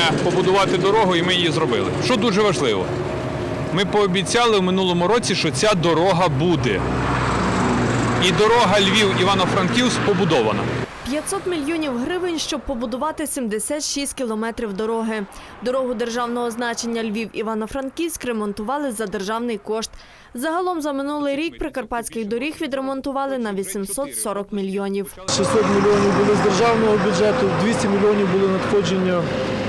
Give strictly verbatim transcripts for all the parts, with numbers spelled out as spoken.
побудувати дорогу, і ми її зробили. Що дуже важливо, ми пообіцяли в минулому році, що ця дорога буде. І дорога Львів-Івано-Франківськ побудована. п'ятсот мільйонів гривень, щоб побудувати сімдесят шість кілометрів дороги. Дорогу державного значення Львів-Івано-Франківськ ремонтували за державний кошт. Загалом за минулий рік прикарпатських доріг відремонтували на вісімсот сорок мільйонів. шістсот мільйонів були з державного бюджету, двісті мільйонів були надходження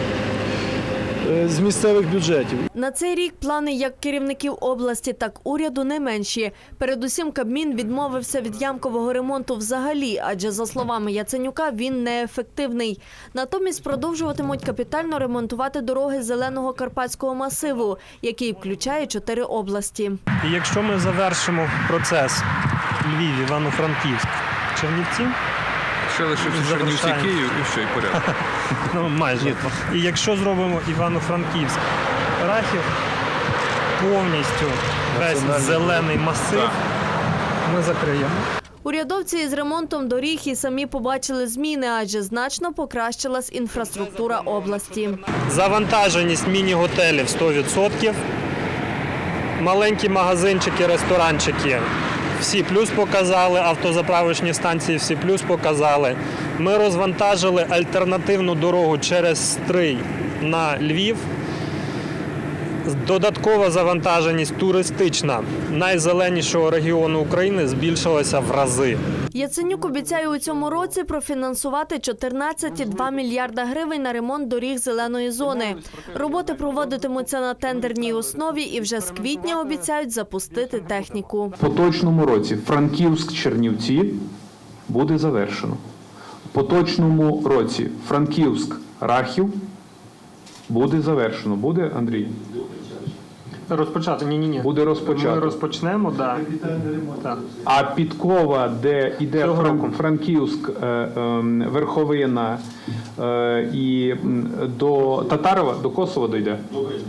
з місцевих бюджетів. На цей рік плани як керівників області, так уряду не менші. Передусім Кабмін відмовився від ямкового ремонту взагалі, адже, за словами Яценюка, він неефективний. Натомість продовжуватимуть капітально ремонтувати дороги зеленого карпатського масиву, який включає чотири області. І якщо ми завершимо процес Львів, Івано-Франківськ, Чернівці, Ще лишився Чернівці, Київ і все, і порядок. ну майже. І якщо зробимо Івано-Франківськ, Рахів, повністю весь зелений масив, ми закриємо. Урядовці із ремонтом доріг і самі побачили зміни, адже значно покращилась інфраструктура області. Завантаженість міні-готелів сто відсотків, маленькі магазинчики, ресторанчики всі плюс показали, автозаправочні станції всі плюс показали. Ми розвантажили альтернативну дорогу через Стрий на Львів. Додаткова завантаженість туристична найзеленішого регіону України збільшилася в рази. Яценюк обіцяє у цьому році профінансувати чотирнадцять цілих два мільярда гривень на ремонт доріг зеленої зони. Роботи проводитимуться на тендерній основі і вже з квітня обіцяють запустити техніку. В поточному році Франківськ-Чернівці буде завершено. В поточному році Франківськ-Рахів буде завершено. Буде, Андрій? Розпочати? Ні-ні-ні. Буде розпочато. Ми розпочнемо, так. Да. А Підкова, де йде Фран... Франківськ, е, е, Верховина е, і до Татарова, до Косова дійде?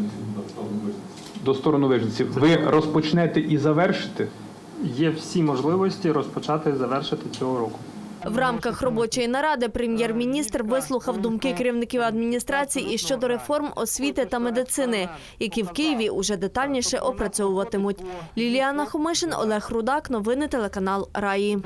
До сторони Вижниці. Ви розпочнете і завершите? Є всі можливості розпочати і завершити цього року. В рамках робочої наради прем'єр-міністр вислухав думки керівників адміністрації і щодо реформ освіти та медицини, які в Києві уже детальніше опрацьовуватимуть. Ліліана Хомишин, Олег Рудак. Новини телеканал Раї.